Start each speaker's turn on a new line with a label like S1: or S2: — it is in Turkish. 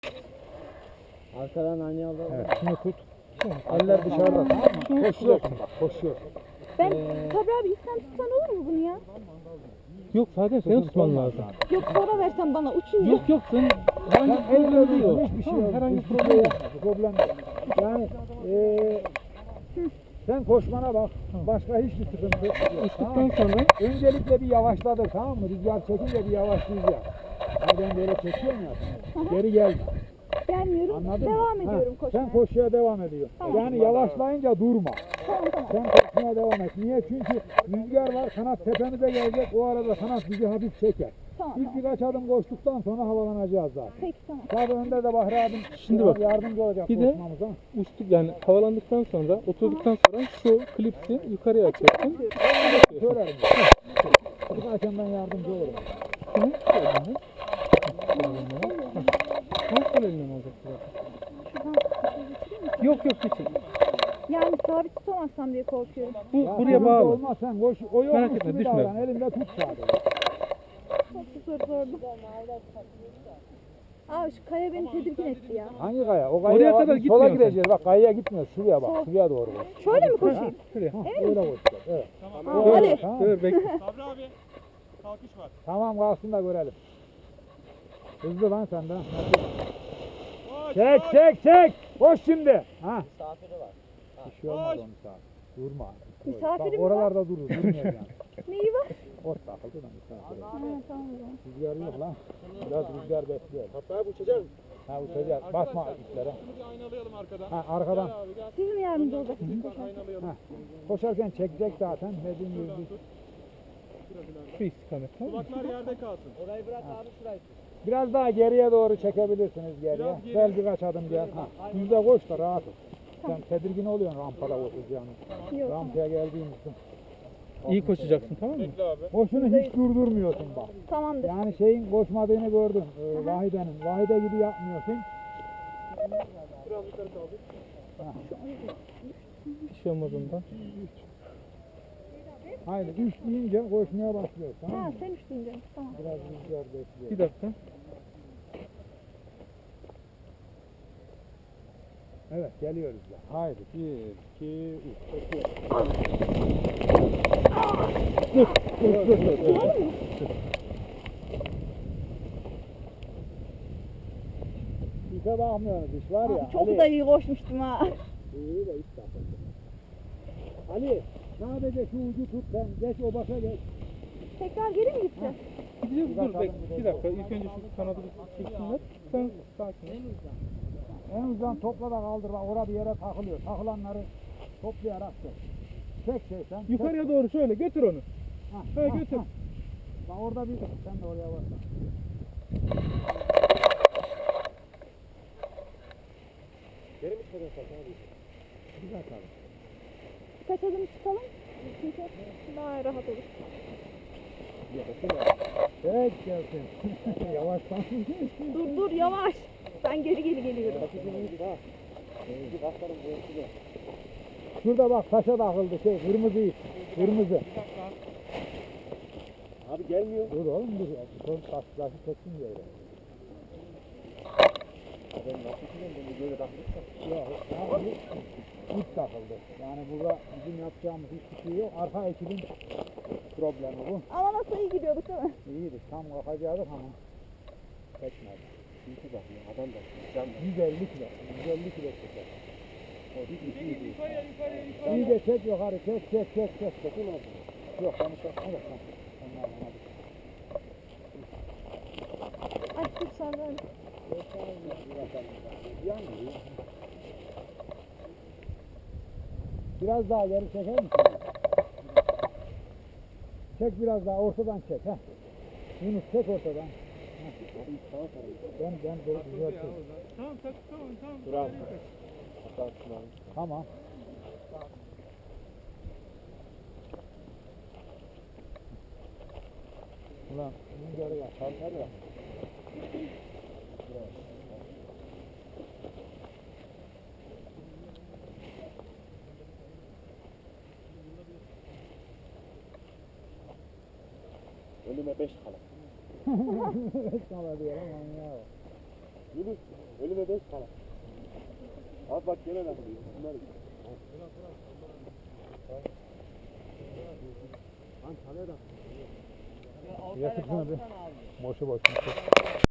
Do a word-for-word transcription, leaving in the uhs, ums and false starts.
S1: Arkadan aynı aldı.
S2: Evet, şunu tut. Eller dışarıda, tamam mı? Koşuyorsun bak, koşuyorsun.
S3: Ben Sabri abi ilk sen tutsan olur mu bunu ya?
S4: Yok zaten senin tutman lazım.
S3: Yok sonra versen bana uçunca.
S4: Yok yok sen herhangi bir
S2: Elle
S4: problem değil o.
S2: değil, hiçbir şey
S4: Tamam,
S2: yok.
S4: herhangi bir
S2: Hiçbir
S4: problem
S2: şey
S4: yok.
S2: yok. Problem yok. Yani eee sen koşmana bak. Başka hiçbir sıkıntı yok.
S4: Uçtuktan
S2: Tamam mı?
S4: sonra
S2: Öncelikle bir yavaşladık, tamam mı? Rüzgar çekince bir yavaşlayacağız. Yani ben böyle çekiyorum ya. Geri gelme.
S3: Gelmiyorum.
S2: Anladın
S3: devam
S2: mı?
S3: ediyorum
S2: Ha,
S3: koşmaya.
S2: Sen koşuya devam ediyorsun.
S3: Tamam.
S2: Yani yavaşlayınca durma.
S3: Tamam tamam.
S2: Sen koşmaya devam et. Niye? Çünkü rüzgar var, kanat tepemize gelecek. O arada kanat bizi hafif çeker.
S3: Tamam
S2: İlk
S3: tamam.
S2: birkaç adım koştuktan sonra havalanacağız zaten.
S3: Peki tamam.
S2: Tabii önde de Bahri abim
S4: Şimdi
S2: biraz
S4: bak,
S2: yardımcı olacak
S4: bir de-
S2: koşmamıza.
S4: uçtuk yani havalandıktan sonra oturduktan sonra şu klipsi yukarıya açacaksın.
S2: Söylerim. Birkaçım ben yardımcı olurum.
S4: Şunu şöyle al. Nasıl elinden alacaksın zaten? Yok yok geçin.
S3: Yani sabit tutamazsam diye korkuyorum.
S4: Bu
S2: Ya
S4: buraya
S2: sıkıntı
S4: bağlı.
S2: Olmaz sen koş. O
S4: Merak
S2: yokmuş
S4: etme,
S2: gibi
S4: düşme.
S2: davran. Elinde tut sadece.
S3: Çok zor zordu. Aa şu kaya beni tedirgin etti ya.
S2: Hangi kaya? O kaya
S4: Oraya
S2: bak,
S4: kadar
S2: biz sola
S4: gitmiyorsun
S2: gireceğiz. Bak kayaya gitmiyor. Şuraya bak.
S3: Sol.
S2: Şuraya doğru bak.
S3: Şöyle mi koşayım?
S4: Şuraya.
S2: Ha, öyle koşacağız. Evet.
S3: Ha,
S4: Dur,
S3: hadi.
S2: Tamam.
S4: dur bekle.
S5: Sabri abi kalkış var.
S2: Tamam kalsın da görelim. Hızlı lan sen de.
S5: Koş,
S2: Çek
S5: koş.
S2: çek çek. Koş şimdi. Ha.
S1: Misafiri var.
S2: Bir şey olmaz o misafir. Durma.
S3: Misafirim
S2: Bak
S3: mi
S2: oralarda durur. Durmuyor yani.
S3: Neyi var?
S2: Ot takıldı da misafir.
S3: Ha, tamam o zaman.
S2: Rüzgar yok lan. Biraz rüzgar bekliyor.
S5: Hatta uçacağız.
S2: Ha uçacağız. Basma iplere.
S5: Şunu bir aynalayalım arkadan.
S2: Ha arkadan.
S5: Gel abi gel.
S3: Siz mi yardımcı olacaksınız?
S5: Lütfen aynalayalım.
S2: Ha. Koşarken çekecek zaten. Dediğim gibi biz.
S4: Şu istikamet tamam mı?
S5: Kulaklar yerde kalsın.
S1: Orayı bırak abi şurayı tut.
S2: Biraz daha geriye doğru çekebilirsiniz geriye.
S5: Biraz geri.
S2: Gel birkaç adım gel. Ha. Yüzde koş da rahat ol. Sen tedirgin oluyorsun rampada koşacağını.
S3: Yok.
S2: Rampaya geldiğimizde.
S4: İyi koşacaksın tamam mı?
S5: Bekle abi.
S2: Boşunu hiç durdurmuyorsun bak.
S3: Tamamdır.
S2: Yani şeyin koşmadığını gördüm. Ee, Vahide'nin. Vahide gibi yapmıyorsun.
S5: Biraz yukarı kaldır.
S4: Bir şey olmaz ondan.
S2: Haydi üç deyince koşmaya başlıyoruz. Tamam
S3: Ha
S2: mı?
S3: sen üç deyince. Tamam.
S2: Biraz rüzgar bekliyor.
S4: Bir dakika.
S2: Evet geliyoruz ya. Haydi bir, iki, üç.
S4: Dur dur dur. dur.
S2: İşe bakmıyoruz iş var ya.
S3: Çok
S2: Ali.
S3: da iyi koşmuştum ha.
S2: İyi de iş takıldı. Ali sadece şu ucu tut sen geç o başa geç.
S3: Tekrar geri mi gideceğiz?
S4: Gideceğiz dur bek. Bir dakika ilk önce şu kanadı bir çeksinler. Sen sakin ol.
S2: En uzun topla da kaldır bak orada bir yere takılıyor. Takılanları toplayarak çek. Çek şey sen.
S4: Yukarıya doğru şöyle götür onu.
S2: Ha,
S4: Ha, götür.
S2: Bak orada bir sen de oraya bak.
S5: Geri mi çıkacağız abi?
S2: Bir dakika.
S3: Kaç adım çıkalım? Çünkü daha rahat olur.
S2: Çek gelsin. Yavaştan.
S3: Dur dur yavaş. Ben geri geri geliyorum.
S2: Şurada bak taşa takıldı şey kırmızı ip. Kırmızı.
S5: Abi gelmiyor.
S2: Dur oğlum dur. Son taş taşı çeksin diye.
S5: Ben nasıl bileyim bunu böyle takmışsam.
S2: Yok. Yani ip takıldı. Yani burada bizim yapacağımız hiçbir şey yok. Arka ekibin problemi bu.
S3: Ama nasıl iyi gidiyorduk değil mi?
S2: İyiydi. Tam kalkacaktık ama çekmedi.
S5: İyi bakıyor adam da. Can da.
S2: yüz elli kilo. yüz elli kilo çeker.
S5: O değil mi? İyi değil.
S4: Yukarıya yukarıya yukarıya.
S2: İyi de çek yukarı çek çek çek çek. Çekin oldu. Yok onu çekme de sen. Onlar bana bir.
S3: Açtık Sabri abi.
S2: Yanmıyor. Biraz daha geri çeker misin? Çek biraz daha ortadan çek ha. Yunus çek ortadan. Ha. Ben ben böyle düzelteyim.
S4: Tamam tamam tamam tamam.
S5: Dur abi. Kalksın abi.
S2: Tamam. Ulan bunu geri bak. Kalkar ya.
S5: Önüme beş kala.
S2: Sana diyorum ama ya.
S5: Yunus önüme beş tane. Abi bak gene takılıyor. Bunlar
S2: Lan çalıyor da.
S4: Yakıtına bir boşu boşuna.